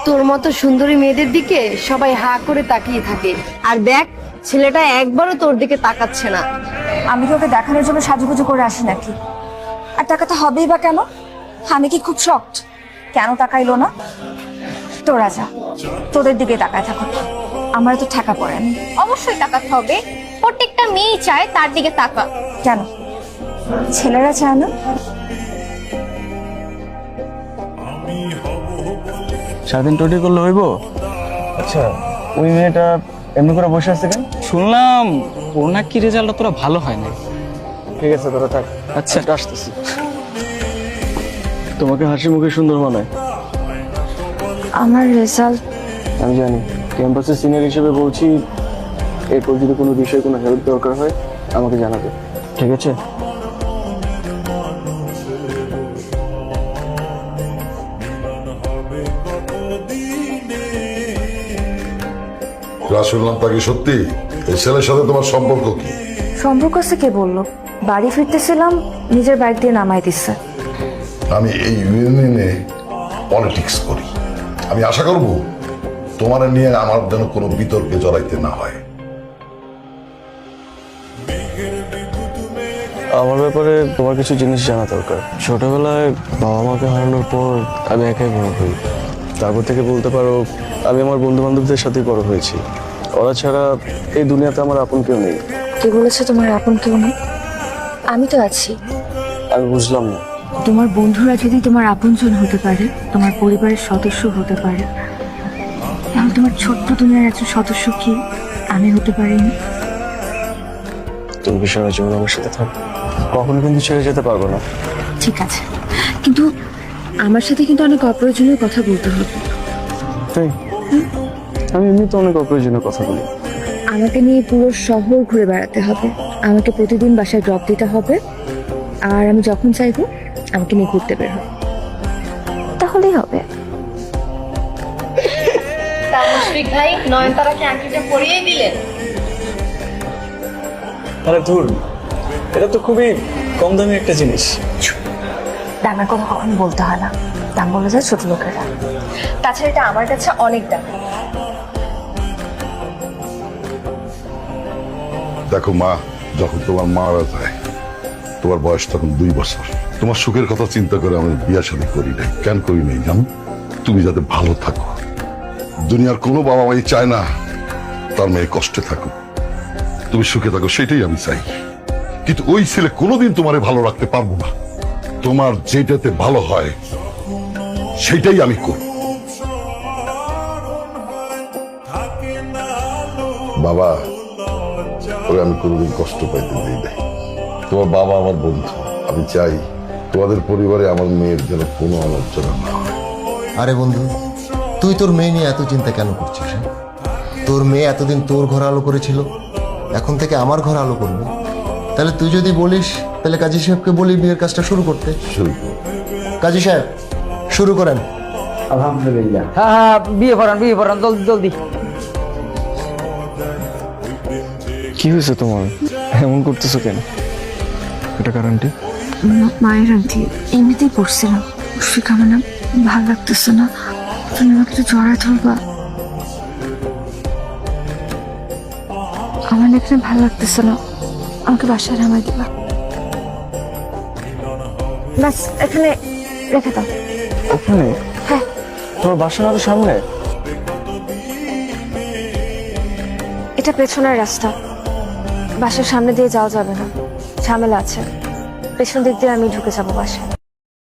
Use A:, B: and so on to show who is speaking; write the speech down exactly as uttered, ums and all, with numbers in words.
A: তোর মতো সুন্দরী মেয়েদের দিকে সবাই হা করে তাকিয়ে থাকে, আর দেখ ছেলেটা একবারও তোর দিকে তাকাচ্ছে না।
B: আমি কি ওকে দেখানোর জন্য সাজুগুজু করে আসি নাকি? আর টাকাটা হবেই বা কেন? আমি কি খুব শক্ট? কেন তাকাইলো না? তোরা যা, তোদের দিকে তাকায় থাকো, আমার তো ঠেকা পড়ে। আমি
C: অবশ্যই তাকাতে হবে, প্রত্যেকটা মেয়ে চায় তার দিকে তাকা।
B: কেন ছেলেরা চায় না?
D: সারাদিন টোটি করলে হইব? আচ্ছা, ওই মেয়েটা এমনি করে বসে আছে কেন?
E: শুনলাম ওর নাকি রেজাল্টটা তোরা ভালো হয় না।
D: ঠিক আছে, তোরা থাক।
E: আচ্ছা
D: আসতেছি। তোমাকে হাসি মুখে সুন্দর মানায়।
B: আমার রেজাল্ট
D: আমি জানি, ক্যাম্পাসের সিনিয়র হিসেবে বলছি, এরপর যদি কোনো বিষয়ে কোনো হেল্প দরকার হয় আমাকে জানাবে, ঠিক আছে?
F: শুনলাম তাকে সত্যি এই ছেলের সাথে তোমার সম্পর্ক কি?
B: সম্পর্ক আছে কে বললো? বাড়ি ফিরতেছিলাম, নিজের বাইক দিয়ে নামাই দিচ্ছে।
F: আমি এই ইউনিয়নে পলিটিক্স করি, আমি আশা করব তোমার নিয়ে আমার যেন কোনো বিতর্কে জড়াইতে না হয়।
D: আমার ব্যাপারে তোমার কিছু জিনিস জানা দরকার। ছোটবেলায় বাবা মাকে হারানোর পর আমি একাই বড় হই। তারপর থেকে বলতে পারো আমি আমার বন্ধু বান্ধবদের সাথে বড় হয়েছি। ওরা ছাড়া এই দুনিয়াতে আমার আপন কেউ নেই।
B: কে বলেছে তোমার আপন কেউ নেই? আমি তো আছি।
D: আমি বুঝলাম না।
B: তোমার বন্ধুরা যদি তোমার আপনজন হতে পারে, তোমার পরিবারের সদস্য হতে পারে, তাহলে তোমার ছোট্ট দুনিয়ার একজন সদস্য কি আমি হতে পারিনি?
D: তুমি কি সারা জীবন আমার সাথে থাক? কখনো কিন্তু ছেড়ে যেতে পারবো না।
B: ঠিক আছে, কিন্তু আমার সাথে কিন্তু অনেক অপ্রয়োজনীয় কথা বলতে হবে।
D: তাই আমি এমনি তো অনেক অপ্রয়োজনীয় কথা বলি।
B: আমাকে নিয়ে পুরো শহর ঘুরে বেড়াতে হবে, আমাকে প্রতিদিন বাসায় ড্রপ দিতে হবে, আর আমি যখন চাইবো আমাকে নিয়ে ঘুরতে বের হবে, তাহলেই হবে।
A: তা মুশফিক ভাই নয়নতারাকে আংটিটা পরিয়ে দিলেন?
D: আরে ধুর, এটা তো খুবই কম দামি একটা জিনিস।
B: দামের কথা কখনো বলতে হয় না, দাম বলে যায় ছোট লোকেরা। তাছাড়া এটা আমার কাছে অনেক দাম।
F: দেখো মা, যখন তোমার মারা যায় তোমার বয়স তখন দুই বছর। তোমার সুখের কথা চিন্তা করে আমি বিয়া শাদী করি নাই। কেন করি নাই জানো? তুমি যাতে ভালো থাকো। দুনিয়ার কোনো বাবা মাই চায় না তার মেয়ে কষ্টে থাকো, তুমি সুখে থাকো, সেটাই আমি চাই। কিন্তু ওই ছেলে কোনোদিন তোমারে ভালো রাখতে পারবো না। তোমার যেটাতে ভালো হয় সেটাই আমি করব। বাবা, ওরে আমি কোনোদিন কষ্ট পাইতে দিই নাই। তোমার বাবা আমার বন্ধু, আমি চাই তোমাদের পরিবারে আমার মেয়ের যেন কোনো আলোচনা না হয়।
G: আরে বন্ধু, তুই তোর মেয়ে নিয়ে এত চিন্তা কেন করছিস? হ্যাঁ? তোর মেয়ে এতদিন তোর ঘর আলো করেছিল, এখন থেকে আমার ঘর আলো করবে। তাহলে তুই যদি বলিস, তাহলে কাজী সাহেবকে বলি বিয়ের কাজটা শুরু করতে।
F: শুরু করো।
G: কাজী সাহেব, শুরু করেন।
H: আলহামদুলিল্লাহ। হ্যাঁ হ্যাঁ, বিয়ে পড়ান বিয়ে পড়ান, জলদি জলদি।
D: কি হয়েছে তোমার? এমন করতেছো কেন? এটা কারণটি?
B: মায়ের আন্টি এমনিতেই পড়ছিলাম। মুশফিক, আমার না ভালো লাগতেছে না, তুমি আমাকে একটু জড়ায় ধরবা। আমার না এখানে ভালো লাগতেছে না, আমাকে বাসায় নামাই দিবা। ব্যাস এখানে রেখে দাও।
D: ওখানে?
B: হ্যাঁ।
D: তোমার বাসা না তো সামনে?
B: এটা পেছনের রাস্তা, বাসার সামনে দিয়ে যাওয়া যাবে না, ঝামেলা আছে। পেছন দিক দিয়ে আমি ঢুকে যাবো বাসায়।